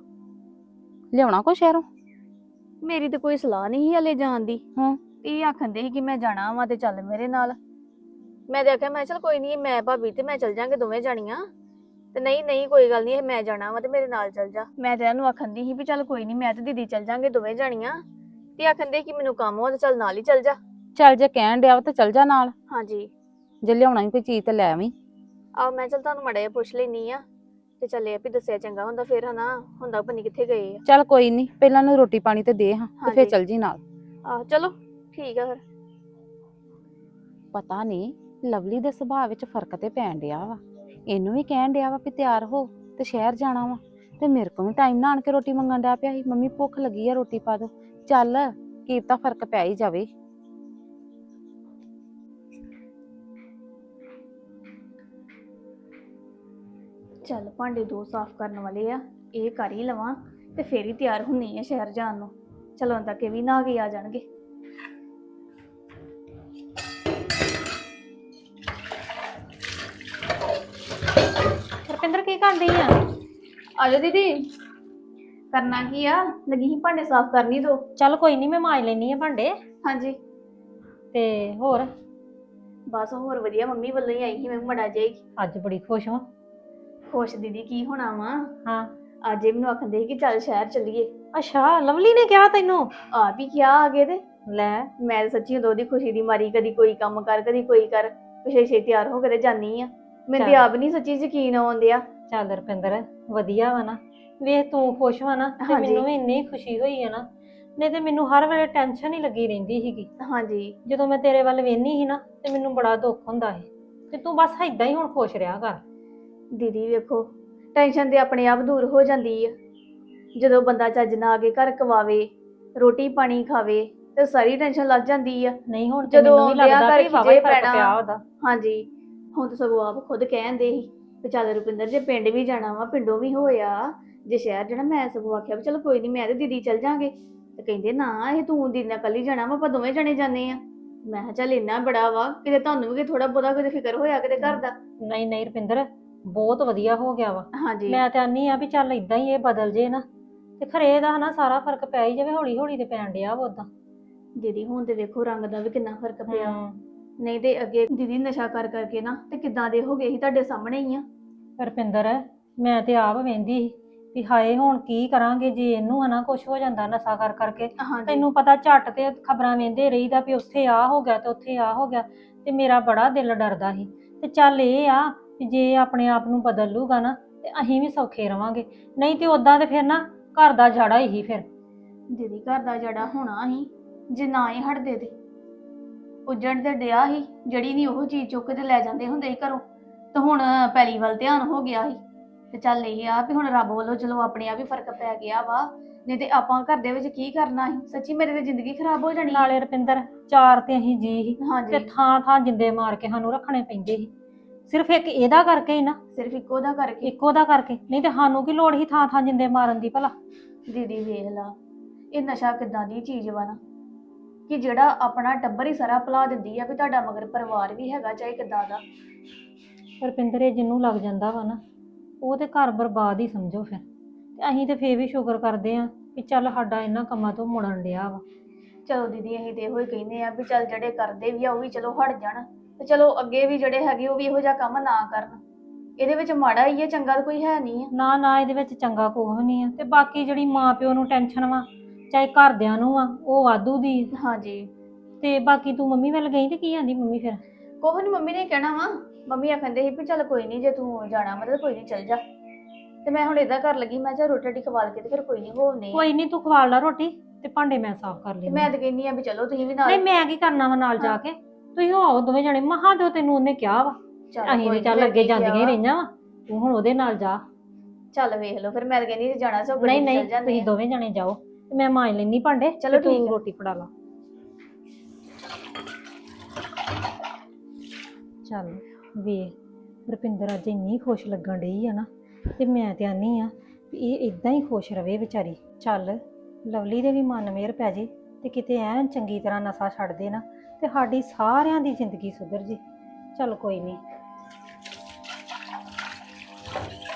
ਲਿਆਉਣਾ ਕੋ ਸ਼ਹਿਰੋਂ?
ਮੇਰੀ ਤੇ ਕੋਈ ਸਲਾਹ ਨਹੀਂ ਸੀ ਹਲੇ ਜਾਣ ਦੀ।
ਹਾਂ।
ਇਹ ਆਖੰਦੇ ਸੀ ਕਿ ਮੈਂ ਜਾਣਾ ਵਾ ਤੇ ਚੱਲ ਮੇਰੇ ਨਾਲ। ਮੈਂ ਤੇ ਆਖਿਆ ਮੈਂ ਚੱਲ ਕੋਈ ਨਹੀਂ, ਮੈਂ ਭਾਬੀ ਤੇ ਮੈਂ ਚੱਲ ਜਾਾਂਗੇ ਦੋਵੇਂ ਜਾਣੀਆਂ। ਤੇ ਨਹੀਂ ਨਹੀਂ ਕੋਈ ਗੱਲ ਨਹੀਂ, ਮੈਂ ਜਾਣਾ ਵਾ ਤੇ ਮੇਰੇ ਨਾਲ ਚੱਲ ਜਾ। ਮੈਂ ਤੇ ਇਹਨੂੰ ਆਖੰਦੀ ਸੀ ਵੀ ਚੱਲ ਕੋਈ ਨਹੀਂ, ਮੈਂ ਤੇ ਦੀਦੀ ਚੱਲ ਜਾਾਂਗੇ ਦੋਵੇਂ ਜਾਣੀਆਂ। ਤੇ ਆਖੰਦੇ ਕਿ ਮੈਨੂੰ ਕੰਮ ਹੋ ਤੇ ਚੱਲ ਨਾਲ ਹੀ ਚੱਲ ਜਾ।
ਚੱਲ ਜੇ ਕਹਿਣ ਡਿਆ ਵਾ ਤਾਂ ਚੱਲ ਜਾ ਨਾਲ।
ਹਾਂਜੀ
ਜੇ ਲਿਆਉਣਾ ਵੀ ਕੋਈ ਚੀਜ਼ ਤੇ ਲੈ ਆਵੀਂ।
ਆਹ ਮੈਂ ਚੱਲ ਤੁਹਾਨੂੰ ਮੜਾ ਜਿਹਾ ਪੁੱਛ ਲੈਣੀ ਆ ਤੇ ਚੱਲੇ ਆ ਵੀ ਦੱਸਿਆ ਚੰਗਾ ਹੁੰਦਾ, ਫਿਰ ਹਨਾ ਹੁੰਦਾ ਪਤਾ ਨੀ ਕਿੱਥੇ ਗਏ ਆ।
ਚੱਲ ਕੋਈ ਨਹੀਂ, ਪਹਿਲਾਂ ਨੂੰ ਰੋਟੀ ਪਾਣੀ ਤੇ ਦੇ ਹਾਂ ਤੇ ਫਿਰ
ਹਾਂਜੀ।
ਚੱਲ ਜੀ ਨਾਲ।
ਆਹ ਚਲੋ ਠੀਕ ਆ ਫਿਰ।
ਪਤਾ ਨਹੀਂ ਲਵਲੀ ਦੇ ਸੁਭਾਅ ਵਿੱਚ ਫਰਕ ਤੇ ਪੈਣ ਡਿਆ ਵਾ। ਇਹਨੂੰ ਵੀ ਕਹਿਣ ਡਿਆ ਵਾ ਵੀ ਤਿਆਰ ਹੋ ਤੇ ਸ਼ਹਿਰ ਜਾਣਾ ਵਾ, ਤੇ ਮੇਰੇ ਕੋਲ ਵੀ ਟਾਈਮ ਨਾਲ ਆਣ ਕੇ ਰੋਟੀ ਮੰਗਣ ਡਿਆ ਪਿਆ ਸੀ, ਮੰਮੀ ਭੁੱਖ ਲੱਗੀ ਆ ਰੋਟੀ ਪਾ ਦੋ। ਚੱਲ ਕੀ ਪਤਾ ਫਰਕ ਪੈ ਹੀ ਜਾਵੇ।
ਚੱਲ ਭਾਂਡੇ ਦੋ ਸਾਫ਼ ਕਰਨ ਵਾਲੇ ਆ, ਇਹ ਕਰ ਹੀ ਲਵਾਂ ਤੇ ਫੇਰ ਹੀ ਤਿਆਰ ਹੁੰਨੀ ਆ ਸ਼ਹਿਰ ਜਾਣ ਨੂੰ। ਚਲੋ ਤੱਕ ਇਹ ਵੀ ਨਹਾ ਕੇ ਆ ਜਾਣਗੇ।
ਰਪਿੰਦਰ ਕੀ ਕਰਦੀ ਆ?
ਆਜੋ ਦੀਦੀ। ਕਰਨਾ ਕੀ ਆ, ਲੱਗੀ ਸੀ ਭਾਂਡੇ ਸਾਫ਼ ਕਰਨੀ ਦੋ।
ਚੱਲ ਕੋਈ ਨਹੀਂ, ਮੈਂ ਮਾਂਜ ਲੈਣੀ ਆ ਭਾਂਡੇ।
ਹਾਂਜੀ
ਤੇ ਹੋਰ
ਬਸ ਹੋਰ ਵਧੀਆ, ਮੰਮੀ ਵੱਲੋਂ ਹੀ ਆਈ ਸੀ ਮੈਂ ਮੜਾ ਜਾਈ।
ਅੱਜ ਬੜੀ ਖੁਸ਼ ਹਾਂ।
ਖੁਸ਼ ਦੀਦੀ ਕੀ ਹੋਣਾ ਵਾ,
ਹਾਂ
ਅੱਜ ਇਹ ਮੈਨੂੰ ਆਖਦੇ ਸੀ ਕਿ ਚੱਲ ਸ਼ਹਿਰ ਚੱਲੀਏ।
ਅੱਛਾ, ਲਵਲੀ ਨੇ ਕਿਹਾ ਤੈਨੂੰ?
ਆ ਵੀ ਕਿਹਾ ਆਗੇ ਤੇ
ਲੈ
ਮੈਂ ਤਾਂ ਸੱਚੀ ਉਦੋਂ ਦੀ ਖੁਸ਼ੀ ਦੀ ਮਾਰੀ ਕਦੀ ਕੋਈ ਕੰਮ ਕਰ ਕਦੀ ਕੋਈ ਕਰ, ਪਿਛੇ ਛੇ ਤਿਆਰ ਹੋ ਕੇ ਤੇ ਜਾਨੀ ਆ। ਮੈਨੂੰ ਤੇ
ਚੱਲ।
ਆਪ ਨਹੀਂ ਸੱਚੀ ਯਕੀਨ ਆਉਂਦਿਆ।
ਚੱਲ ਰੁਪਿੰਦਰ ਵਧੀਆ ਵਾ ਨਾ, ਵੇਖ ਤੂੰ ਖੁਸ਼ ਵਾ ਨਾ ਤੇ
ਹਾਂਜੀ।
ਮੈਨੂੰ ਵੀ ਇੰਨੀ ਖੁਸ਼ੀ ਹੋਈ ਆ ਨਾ। ਨਹੀਂ ਤੇ ਮੈਨੂੰ ਹਰ ਵੇਲੇ ਟੈਨਸ਼ਨ ਹੀ ਲੱਗੀ ਰਹਿੰਦੀ ਸੀਗੀ।
ਹਾਂਜੀ
ਜਦੋਂ ਮੈਂ ਤੇਰੇ ਵੱਲ ਵੇਖਨੀ ਸੀ ਨਾ ਤੇ ਮੈਨੂੰ ਬੜਾ ਦੁੱਖ ਹੁੰਦਾ ਸੀ। ਤੇ ਤੂੰ ਬਸ ਏਦਾਂ ਹੀ ਹੁਣ ਖੁਸ਼ ਰਿਹਾ ਕਰ।
ਦੀਦੀ ਵੇਖੋ, ਟੈਨਸ਼ਨ ਤੇ ਆਪਣੇ ਆਪ ਦੂਰ ਹੋ ਜਾਂਦੀ ਆ ਜਦੋਂ ਬੰਦਾ ਚੱਜ ਨਾਲ ਆ ਕੇ ਘਰ ਕਵਾਵੇ, ਰੋਟੀ ਪਾਣੀ ਖਾਵੇ ਤੇ ਸਾਰੀ ਟੈਨਸ਼ਨ ਲੱਗ ਜਾਂਦੀ ਆ।
ਨਹੀਂ ਹੁਣ ਤੇ
ਜਦੋਂ
ਮੈਨੂੰ ਵੀ
ਆਉਂਦਿਆਂ
ਲੱਗਦਾ
ਘਰ
ਵੀ ਵਾਵਾ ਹੀ
ਖਿਜੇ
ਫਰਕ
ਪੈਣਾ।
ਪਿਆ ਉਹਦਾ।
ਹਾਂਜੀ ਹੁਣ ਤਾਂ ਸਗੋਂ ਆਪ ਖੁਦ ਕਹਿੰਦੇ ਸੀ ਵੀ ਚੱਲ ਰੁਪਿੰਦਰ ਜੇ ਪਿੰਡ ਵੀ ਜਾਣਾ ਵਾ ਪਿੰਡੋਂ ਵੀ ਹੋਇਆ ਜੇ ਸ਼ਹਿਰ ਜਾਣਾ, ਮੈਂ ਸਗੋਂ ਆਖਿਆ ਵੀ ਚਲੋ ਕੋਈ ਨਹੀਂ ਮੈਂ ਤੇ ਦੀਦੀ ਚੱਲ ਜਾਾਂਗੇ। ਤੇ ਕਹਿੰਦੇ ਨਾ ਇਹ ਤੂੰ ਦੀਦੀ ਨਾਲ ਕੱਲੀ ਜਾਣਾ ਵਾ, ਆਪਾਂ ਦੋਵੇਂ ਜਣੇ ਜਾਂਦੇ ਆ। ਮੈਂ ਕਿਹਾ ਚੱਲ ਇੰਨਾ ਬੜਾ ਵਾ ਕਿਤੇ ਤੁਹਾਨੂੰ ਵੀ ਥੋੜਾ ਬਹੁਤਾ ਕਿਤੇ ਫਿਕਰ ਹੋਇਆ ਕਿਤੇ ਘਰ ਦਾ।
ਨਹੀਂ ਨਹੀਂ ਰੁਪਿੰਦਰ ਬਹੁਤ ਵਧੀਆ ਹੋ ਗਿਆ ਵਾ।
ਹਾਂਜੀ
ਮੈਂ ਤੇ ਆਨੀ ਆ ਵੀ ਚੱਲ ਇਦਾਂ ਹੀ ਇਹ ਬਦਲ ਜੇ ਨਾ ਤੇ ਖਰੇ ਇਹਦਾ ਹਨਾ ਸਾਰਾ ਫਰਕ ਪੈ ਹੀ ਜਾਵੇ, ਹੌਲੀ ਹੌਲੀ ਤੇ ਪੈਣ ਡਿਆ ਵਾ ਉਦਾਂ।
ਦੀਦੀ ਹੁਣ ਤੇ ਵੇਖੋ ਰੰਗ ਦਾ ਵੀ ਕਿੰਨਾ ਫਰਕ ਪਿਆ। ਨਹੀਂ ਤੇ ਅੱਗੇ ਦੀਦੀ ਨਸ਼ਾ ਕਰ ਕਰਕੇ ਨਾ ਤੇ ਕਿੱਦਾਂ ਦੇ ਹੋ ਗਏ ਸੀ ਤੁਹਾਡੇ ਸਾਹਮਣੇ ਹੀ ਆ।
ਰੁਪਿੰਦਰ ਮੈਂ ਤੇ ਆਪ ਵੇਂਦੀ ਸੀ ਵੀ ਹਾਏ ਹੁਣ ਕੀ ਕਰਾਂਗੇ ਜੇ ਇਹਨੂੰ ਹਨਾ ਕੁਝ ਹੋ ਜਾਂਦਾ ਨਸ਼ਾ ਕਰ ਕਰਕੇ।
ਹਾਂਜੀ
ਤੈਨੂੰ ਪਤਾ ਝੱਟ ਤੇ ਖਬਰਾਂ ਵੇਂਦੇ ਰਹੀਦਾ ਵੀ ਉੱਥੇ ਆ ਹੋ ਗਿਆ ਤੇ ਉੱਥੇ ਆ ਹੋ ਗਿਆ, ਤੇ ਮੇਰਾ ਬੜਾ ਦਿਲ ਡਰਦਾ ਸੀ। ਤੇ ਚੱਲ ਇਹ ਆ ਵੀ ਜੇ ਆਪਣੇ ਆਪ ਨੂੰ ਬਦਲ ਲੂਗਾ ਨਾ ਤੇ ਅਸੀਂ ਵੀ ਸੌਖੇ ਰਵਾਂਗੇ, ਨਹੀਂ ਤੇ ਉਦਾਂ ਤੇ ਫਿਰ ਨਾ ਘਰ ਦਾ ਜਾੜਾ ਹੀ ਫਿਰ।
ਦੀਦੀ ਘਰ ਦਾ ਜੜਾ ਹੋਣਾ ਸੀ ਜੇ ਨਾ ਹੀ ਹਟਦੇ ਤੇ ਉੱਜਣ ਤੇ ਡਿਆ ਸੀ, ਜਿਹੜੀ ਨਹੀਂ ਉਹ ਚੀਜ਼ ਚੁੱਕ ਕੇ ਤੇ ਲੈ ਜਾਂਦੇ ਹੁੰਦੇ ਸੀ ਘਰੋਂ, ਤੇ ਹੁਣ ਪੈਲੀ ਵੱਲ ਧਿਆਨ ਹੋ ਗਿਆ ਸੀ। ਤੇ ਚੱਲ ਇਹ ਆ ਵੀ ਹੁਣ ਰੱਬ ਵੱਲੋਂ ਚਲੋ ਆਪਣੇ ਆਪ ਹੀ ਫਰਕ ਪੈ ਗਿਆ ਵਾ, ਨਹੀਂ ਤੇ ਆਪਾਂ ਘਰ ਦੇ ਵਿੱਚ ਕੀ ਕਰਨਾ ਸੀ। ਸੱਚੀ ਮੇਰੇ ਤੇ ਜ਼ਿੰਦਗੀ ਖਰਾਬ ਹੋ ਜਾਣੀ।
ਨਾਲੇ ਰੁਪਿੰਦਰ ਚਾਰ ਤੇ ਅਸੀਂ ਜੀ ਸੀ ਤੇ
ਹਾਂਜੀ
ਥਾਂ ਥਾਂ ਜਿੰਦੇ ਮਾਰ ਕੇ ਸਾਨੂੰ ਰੱਖਣੇ ਪੈਂਦੇ ਸੀ, ਸਿਰਫ ਇੱਕ ਇਹਦਾ ਕਰਕੇ ਹੀ ਨਾ,
ਸਿਰਫ ਇੱਕੋ ਦਾ ਕਰਕੇ।
ਇੱਕੋ ਦਾ ਕਰਕੇ, ਨਹੀਂ ਤੇ ਸਾਨੂੰ ਕੀ ਲੋੜ ਸੀ ਥਾਂ ਥਾਂ ਜਿੰਦੇ ਮਾਰਨ ਦੀ ਭਲਾ।
ਦੀਦੀ ਵੇਖ ਲਾ ਇਹ ਨਸ਼ਾ ਕਿੱਦਾਂ ਦੀ ਚੀਜ਼ ਵਾ ਨਾ ਕਿ ਜਿਹੜਾ ਆਪਣਾ ਟੱਬਰ ਹੀ ਸਾਰਾ ਭੁਲਾ ਦਿੰਦੀ ਆ ਵੀ ਤੁਹਾਡਾ ਮਗਰ ਪਰਿਵਾਰ ਵੀ ਹੈਗਾ ਚਾਹੇ ਕਿੱਦਾਂ ਦਾ।
ਰੁਪਿੰਦਰ ਇਹ ਜਿਹਨੂੰ ਲੱਗ ਜਾਂਦਾ ਵਾ ਨਾ ਉਹ ਤੇ ਘਰ ਬਰਬਾਦ ਹੀ ਸਮਝੋ ਫਿਰ। ਤੇ ਅਸੀਂ ਤੇ ਫੇਰ ਵੀ ਸ਼ੁਕਰ ਕਰਦੇ ਆਂ ਵੀ ਚੱਲ ਸਾਡਾ ਇਹਨਾਂ ਕੰਮਾਂ ਤੋਂ ਮੁੜਨ ਡਿਆ ਵਾ।
ਚਲੋ ਦੀਦੀ ਅਸੀਂ ਤੇ ਇਹੋ ਹੀ ਕਹਿੰਦੇ ਆ ਵੀ ਚੱਲ ਜਿਹੜੇ ਕਰਦੇ ਵੀ ਆ ਉਹ ਵੀ ਚਲੋ ਹਟ ਜਾਣ, ਤੇ ਚਲੋ ਅੱਗੇ ਵੀ ਜਿਹੜੇ ਹੈਗੇ ਉਹ ਵੀ ਇਹੋ ਜਿਹਾ ਕੰਮ ਨਾ ਕਰਨ। ਇਹਦੇ ਵਿੱਚ ਮਾੜਾ ਹੀ ਹੈ, ਚੰਗਾ ਤਾਂ ਕੋਈ ਹੈ ਨਹੀਂ ਆ।
ਨਾ ਨਾ ਇਹਦੇ ਵਿੱਚ ਚੰਗਾ ਕੁਝ ਨਹੀਂ ਆ। ਤੇ ਬਾਕੀ ਜਿਹੜੀ ਮਾਂ ਪਿਓ ਨੂੰ ਟੈਨਸ਼ਨ ਵਾ ਚਾਹੇ ਘਰਦਿਆਂ ਨੂੰ ਆ ਉਹ ਵਾਧੂ ਦੀ ਆ।
ਹਾਂਜੀ
ਤੇ ਬਾਕੀ ਤੂੰ ਮੰਮੀ ਵੱਲ ਗਈ ਤੇ ਕੀ ਆਂਦੀ ਮੰਮੀ ਫਿਰ?
ਕੋਹ ਨੀ ਮੰਮੀ ਨੇ ਕਹਿਣਾ ਵਾ, ਮੰਮੀ ਆਖੰਦੇ ਸੀ ਵੀ ਚੱਲ ਕੋਈ ਨਹੀਂ ਜੇ ਤੂੰ ਜਾਣਾ ਮਤਲਬ ਕੋਈ ਨਹੀਂ ਚੱਲ ਜਾ। ਤੇ ਮੈਂ ਹੁਣ ਏਦਾਂ ਕਰ ਲੱਗੀ, ਮੈਂ ਚੱਲ ਰੋਟੀ ਰੋਟੀ ਖਵਾਲ ਕੇ ਤੇ ਫਿਰ ਕੋਈ ਨਹੀਂ ਹੋਵਨੇ।
ਕੋਈ ਨਹੀਂ ਤੂੰ ਖਵਾ ਲਾ ਰੋਟੀ ਤੇ ਭਾਂਡੇ ਮੈਂ ਸਾਫ਼ ਕਰ ਲੈਂਦੀ।
ਮੈਂ ਤਾਂ ਕਹਿੰਦੀ ਆ ਵੀ ਚਲੋ ਤੁਸੀਂ ਵੀ ਨਾਲ।
ਨਹੀਂ ਮੈਂ ਕੀ ਕਰਨਾ ਵਾ ਨਾਲ ਜਾ ਕੇ, ਤੁਸੀਂ ਹੋ ਆਓ ਦੋਵੇਂ ਜਣੇ। ਮਹਾਂ ਤੇ ਤੈਨੂੰ ਉਹਨੇ ਕਿਹਾ ਵਾ, ਅਸੀਂ ਤੇ ਚੱਲ ਅੱਗੇ ਜਾਂਦੀਆਂ ਹੀ ਰਹੀਆਂ ਵਾ, ਤੂੰ ਹੁਣ ਉਹਦੇ ਨਾਲ ਜਾ।
ਚੱਲ ਵੇਖ ਲਓ ਫਿਰ, ਮੈਂ ਤਾਂ ਕਹਿੰਦੀ ਸੀ ਜਾਣਾ ਸੋ
ਨਹੀਂ ਨਹੀਂ ਤੁਸੀਂ ਦੋਵੇਂ ਜਣੇ ਜਾਓ ਤੇ ਮੈਂ ਮਾਂਜ ਲੈਣੀ ਭਾਂਡੇ।
ਚਲੋ
ਤੂੰ
ਠੀਕ ਆ।
ਰੋਟੀ ਫੜਾ ਲਾ। ਚੱਲ ਵੇਖ ਰੁਪਿੰਦਰ ਅੱਜ ਇੰਨੀ ਖੁਸ਼ ਲੱਗਣ ਡਈ ਆ ਨਾ, ਤੇ ਮੈਂ ਤੇ ਆਨੀ ਆ ਵੀ ਇਹ ਇਦਾਂ ਹੀ ਖੁਸ਼ ਰਵੇ ਵਿਚਾਰੀ। ਚੱਲ ਲਵਲੀ ਦੇ ਵੀ ਮਨ ਮੇਰ ਪੈ ਜੇ ਤੇ ਕਿਤੇ ਐਨ ਚੰਗੀ ਤਰ੍ਹਾਂ ਨਸ਼ਾ ਛੱਡ ਦੇ ਨਾ ਤੇ ਸਾਡੀ ਸਾਰਿਆਂ ਦੀ ਜ਼ਿੰਦਗੀ ਸੁਧਰ ਜੇ। ਚੱਲ ਕੋਈ ਨਹੀਂ।